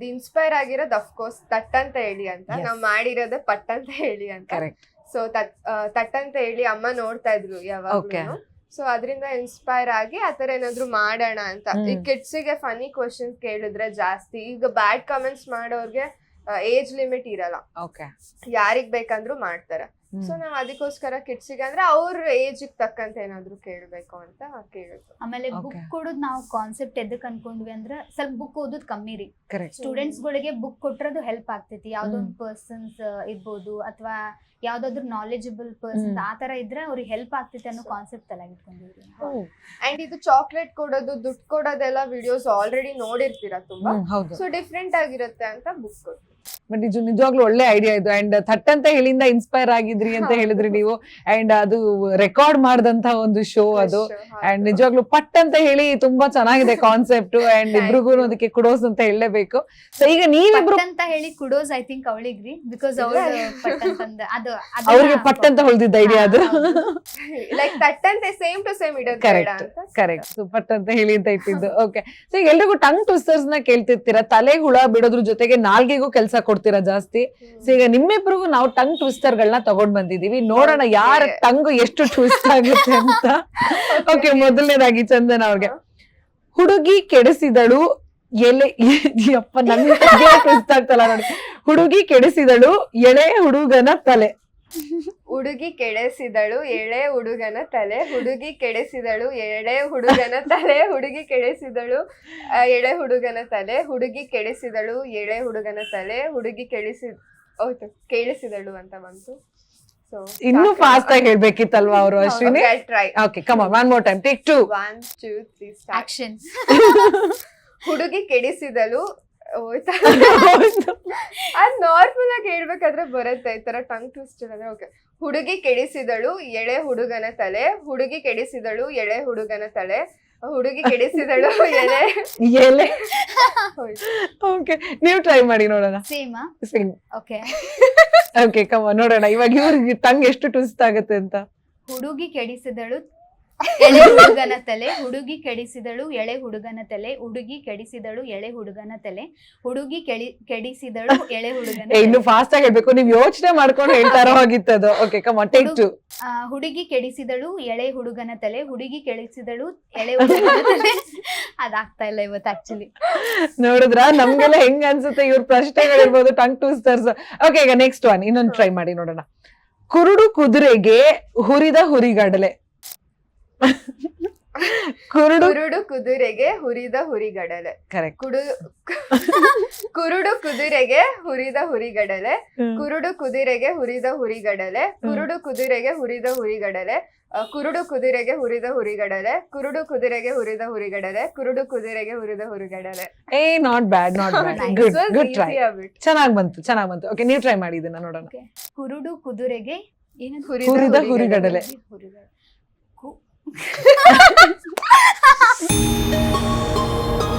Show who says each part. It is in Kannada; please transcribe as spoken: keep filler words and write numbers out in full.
Speaker 1: ಇದು ಇನ್ಸ್ಪೈರ್ ಆಗಿರೋದು ಅಫ್ಕೋರ್ಸ್ ತಟ್ ಅಂತ ಹೇಳಿ ಅಂತ ನಾವ್ ಮಾಡಿರೋದೇ ಪಟ್ ಅಂತ ಹೇಳಿ ಅಂತ. ಸೊ ತಟ್ ತಟ್ ಅಂತ ಹೇಳಿ ಅಮ್ಮ ನೋಡ್ತಾ ಇದ್ರು ಯಾವಾಗ್ಲೂ. ಸೊ ಅದರಿಂದ ಇನ್ಸ್ಪೈರ್ ಆಗಿ ಆತರ ಏನಾದ್ರು ಮಾಡೋಣ ಅಂತ. ಈ ಕಿಡ್ಸಿಗೆ ಫನಿ ಕ್ವಶನ್ಸ್ ಕೇಳಿದ್ರೆ ಜಾಸ್ತಿ, ಈಗ ಬ್ಯಾಡ್ ಕಮೆಂಟ್ಸ್ ಮಾಡೋರ್ಗೆ ಏಜ್ ಲಿಮಿಟ್ ಇರಲ್ಲ, ಯಾರಿಗ್ ಬೇಕಂದ್ರು ಮಾಡ್ತಾರೆ. ಸೊ ನಾವ್ ಅದಕ್ಕೋಸ್ಕರ ಕಿಡ್ಸಿಗೆ ಅಂದ್ರೆ ಅವ್ರ ಏಜ್ ತಕ್ಕಂತ ಏನಾದ್ರು ಕೇಳ್ಬೇಕು ಅಂತ ಕೇಳಿದ್ರು.
Speaker 2: ಆಮೇಲೆ ಬುಕ್ ಕೊಡೋದ್ ನಾವು ಕಾನ್ಸೆಪ್ಟ್ ಎದಕ್ ಅನ್ಕೊಂಡ್ವಿ ಅಂದ್ರೆ ಸ್ವಲ್ಪ ಬುಕ್ ಓದೋದ್ ಕಮ್ಮಿ ರೀ. ಸ್ಟೂಡೆಂಟ್ಸ್ ಗಳಿಗೆ ಬುಕ್ ಕೊಟ್ರದು ಹೆಲ್ಪ್ ಆಗ್ತೈತಿ. ಯಾವ್ದೊಂದ್ ಪರ್ಸನ್ಸ್ ಇರ್ಬೋದು ಅಥವಾ ಯಾವ್ದಾದ್ರು ನಾಲೆಜಬಲ್ ಪರ್ಸನ್ ಆ ತರ ಇದ್ರೆ ಅವ್ರಿಗೆ ಹೆಲ್ಪ್ ಆಗ್ತೈತಿ ಅನ್ನೋ ಕಾನ್ಸೆಪ್ಟ್ ತಲೆಗೆ ಇಟ್ಕೊಂಡಿದ್ವಿ.
Speaker 1: ಅಂಡ್ ಇದು ಚಾಕ್ಲೇಟ್ ಕೊಡೋದು ದುಡ್ಡು ಕೊಡೋದೆಲ್ಲ ವಿಡಿಯೋಸ್ ಆಲ್ರೆಡಿ ನೋಡಿರ್ತೀರಾ ತುಂಬಾ. ಸೊ ಡಿಫ್ರೆಂಟ್ ಆಗಿರುತ್ತೆ ಅಂತ ಬುಕ್ ಕೊಟ್ಟು.
Speaker 3: ಬಟ್ ಇದು ನಿಜವಾಗ್ಲೂ ಒಳ್ಳೆ ಐಡಿಯಾ ಇದು. ಅಂಡ್ ಥಟ್ ಅಂತ ಹೇಳಿಂದ ಇನ್ಸ್ಪೈರ್ ಆಗಿದ್ರಿ ಅಂತ ಹೇಳಿದ್ರಿ ನೀವು. ಅಂಡ್ ಅದು ರೆಕಾರ್ಡ್ ಮಾಡಿದಂತ ಒಂದು ಶೋ ಅದು. ಅಂಡ್ ನಿಜವಾಗ್ಲೂ ಪಟ್ ಅಂತ ಹೇಳಿ ತುಂಬಾ ಚೆನ್ನಾಗಿದೆ ಕಾನ್ಸೆಪ್ಟ್. ಅಂಡ್ ಇಬ್ರಿಗೂ ಅದಕ್ಕೆ ಕುಡೋಸ್ ಅಂತ ಹೇಳಲೇಬೇಕು. ಸೊ ಈಗ ನೀವಿಬ್ರು
Speaker 2: ಅಂತ ಹೇಳಿ ಕುಡೋಸ್ ಐ ಥಿಂಕ್ ಅವಳಿಗ್ರಿ, ಬಿಕಾಸ್ ಅದು
Speaker 3: ಅವ್ರಿಗೆ ಪಟ್ ಅಂತ ಹೊಳ್ದಿದ್ದ ಐಡಿಯಾ ಅದು.
Speaker 1: ಲೈಕ್ ತಟ್ ಅಂತ ಸೇಮ್ ಟು ಸೇಮ್ ಇಡೋದು.
Speaker 3: Correct correct. ಸೊ ಪಟ್ ಅಂತ ಹೇಳಿ ಅಂತ ಇಟ್ಟಿದ್ದು. ಓಕೆ. ಸೊ ಈಗ ಎಲ್ರಿಗೂ ಟಂಗ್ ಟ್ವಿಸ್ಟರ್ಸ್ ನ ಕೇಳ್ತಿರ್ತೀರಾ, ತಲೆಗೆ ಹುಳ ಬಿಡೋದ್ರ ಜೊತೆಗೆ ನಾಲ್ಗೆಗೂ ಕೆಲಸ ಕೊಡ್ತೀರಾ ಜಾಸ್ತಿ. ಸೊ ಈಗ ನಿಮ್ಮಿಬ್ರಿಗೂ ನಾವು ಟಂಗ್ ಟ್ವಿಸ್ಟರ್ ಗಳನ್ನ ತಗೊಂಡ್ ಬಂದಿದೀವಿ. ನೋಡೋಣ ಯಾರ ಟಂಗ್ ಎಷ್ಟು ಟ್ವಿಸ್ಟ್ ಆಗುತ್ತೆ ಅಂತ. ಓಕೆ, ಮೊದಲನೇದಾಗಿ ಚಂದನ್ ಅವ್ರಿಗೆ. ಹುಡುಗಿ ಕೆಡಿಸಿದಳು ಎಲೆ ಅಪ್ಪ ನನ್ಗೆ ಟ್ವಿಸ್ಟ್ ಆಗ್ತಲ್ಲ ನೋಡಿ. ಹುಡುಗಿ ಕೆಡಿಸಿದಳು ಎಳೆ ಹುಡುಗನ ತಲೆ.
Speaker 1: ಹುಡುಗಿ ಕೆಡಿಸಿದಳು ಎಳೆ ಹುಡುಗನ ತಲೆ. ಹುಡುಗಿ ಕೆಡಿಸಿದಳು ಎಳೆ ಹುಡುಗನ ತಲೆ. ಹುಡುಗಿ ಕೆಡಿಸಿದಳು ಎಳೆ ಹುಡುಗನ ತಲೆ. ಹುಡುಗಿ ಕೆಡಿಸಿದಳು ಎಳೆ ಹುಡುಗನ ತಲೆ. ಹುಡುಗಿ ಕೆಡಿಸಿ ಹೌದು ಕೇಳಿಸಿದಳು ಅಂತ ಬಂತು. ಸೊ
Speaker 3: ಇನ್ನು ಫಾಸ್ಟ್ ಆಗಿ ಹೇಳ್ಬೇಕಿತ್ತಲ್ವಾ ಅವರು Ashwini?
Speaker 1: Try.
Speaker 3: Okay, come on, one more time, take two.
Speaker 1: One two three
Speaker 2: action.
Speaker 1: ಹುಡುಗಿ ಕೆಡಿಸಿದಳು ಹೋಯ್ತಾ? ಅದ್ ನಾರ್ಮಲ್ ಆಗಿ ಹೇಳ್ಬೇಕಾದ್ರೆ ಬರುತ್ತೆ ಈ ತರ ಟಂಗ್ ಟ್ವಿಸ್ಟರ್ ಅಂದ್ರೆ. ಓಕೆ, ಹುಡುಗಿ ಕೆಡಿಸಿದಳು ಎಳೆ ಹುಡುಗನ ತಲೆ. ಹುಡುಗಿ ಕೆಡಿಸಿದಳು ಎಳೆ ಹುಡುಗನ ತಲೆ. ಹುಡುಗಿ ಕೆಡಿಸಿದಳು ಎಳೆ
Speaker 3: ಎಲೆ. ಓಕೆ, ನೀವು ಟ್ರೈ ಮಾಡಿ ನೋಡೋಣ.
Speaker 2: Same
Speaker 3: same.
Speaker 2: Okay
Speaker 3: okay, come on ನೋಡೋಣ ಇವಾಗ ಇವ್ರಿಗೆ ಟಂಗ್ ಎಷ್ಟು ಟ್ವಿಸ್ಟ್ ಆಗುತ್ತೆ ಅಂತ.
Speaker 2: ಹುಡುಗಿ ಕೆಡಿಸಿದಳು ಎಳೆ ಹುಡುಗನ ತಲೆ. ಹುಡುಗಿ ಕೆಡಿಸಿದಳು ಎಳೆ ಹುಡುಗನ ತಲೆ. ಹುಡುಗಿ ಕೆಡಿಸಿದಳು ಎಳೆ ಹುಡುಗನ ತಲೆ. ಹುಡುಗಿ ಕೆಡಿ ಕೆಡಿಸಿದಳು ಎಳೆ ಹುಡುಗನ.
Speaker 3: ಇನ್ನು ಫಾಸ್ಟ್ ಆಗಿ ಹೇಳ್ಬೇಕು, ನೀವ್ ಯೋಚನೆ ಮಾಡ್ಕೊಂಡು ಹೇಳ್ತಾರೋ ಆಗಿತ್ತದು. Okay, come on, take two.
Speaker 2: ಹುಡುಗಿ ಕೆಡಿಸಿದಳು ಎಳೆ ಹುಡುಗನ ತಲೆ. ಹುಡುಗಿ ಕೆಡಿಸಿದಳು ಎಳೆ ಹುಡುಗನ ತಲೆ. ಅದಾಗ್ತಾ ಇಲ್ಲ ಇವತ್ತು ಆಕ್ಚುಲಿ.
Speaker 3: ನೋಡಿದ್ರ ನಮ್ಗೆಲ್ಲ ಹೆಂಗ್ ಅನ್ಸುತ್ತೆ ಇವ್ರ ಪ್ರಶ್ನೆಗಳಿರ್ಬೋದು, ಟಂಗ್ ಟ್ವಿಸ್ಟರ್ಸ್. ಓಕೆ, ಈಗ ನೆಕ್ಸ್ಟ್ ಒನ್ ಇನ್ನೊಂದು ಟ್ರೈ ಮಾಡಿ ನೋಡೋಣ. ಕುರುಡು ಕುದುರೆಗೆ ಹುರಿದ ಹುರಿಗಡಲೆ. ಕುರುಡು
Speaker 1: ಕುರುಡು ಕುದುರೆಗೆ ಹುರಿದ ಹುರಿಗಡಲೆ.
Speaker 3: ಕರೆಕ್ಟ್.
Speaker 1: ಕುಡು ಕುರುಡು ಕುದುರೆಗೆ ಹುರಿದ ಹುರಿಗಡಲೆ. ಕುರುಡು ಕುದುರೆಗೆ ಹುರಿದ ಹುರಿಗಡಲೆ. ಕುರುಡು ಕುದುರೆಗೆ ಹುರಿದ ಹುರಿಗಡಲೆ. ಕುರುಡು ಕುದುರೆಗೆ ಹುರಿದ ಹುರಿಗಡಲೆ. ಕುರುಡು ಕುದುರೆಗೆ ಹುರಿದ ಹುರಿಗಡಲೆ. ಕುರುಡು ಕುದುರೆಗೆ ಹುರಿದ ಹುರಿಗಡಲೆ.
Speaker 3: ಏ not bad, not bad. Good good try. ಚೆನ್ನಾಗ್ ಬಂತು, ಚೆನ್ನಾಗ್ ಬಂತು. ಓಕೆ, ನೀವು ಟ್ರೈ ಮಾಡಿ ಇದನ್ನ ನೋಡೋಣ.
Speaker 2: ಕುರುಡು ಕುದುರೆಗೆ ಏನದು?
Speaker 3: ಹುರಿದ ಹುರಿಗಡಲೆ.
Speaker 2: ಹುರಿದ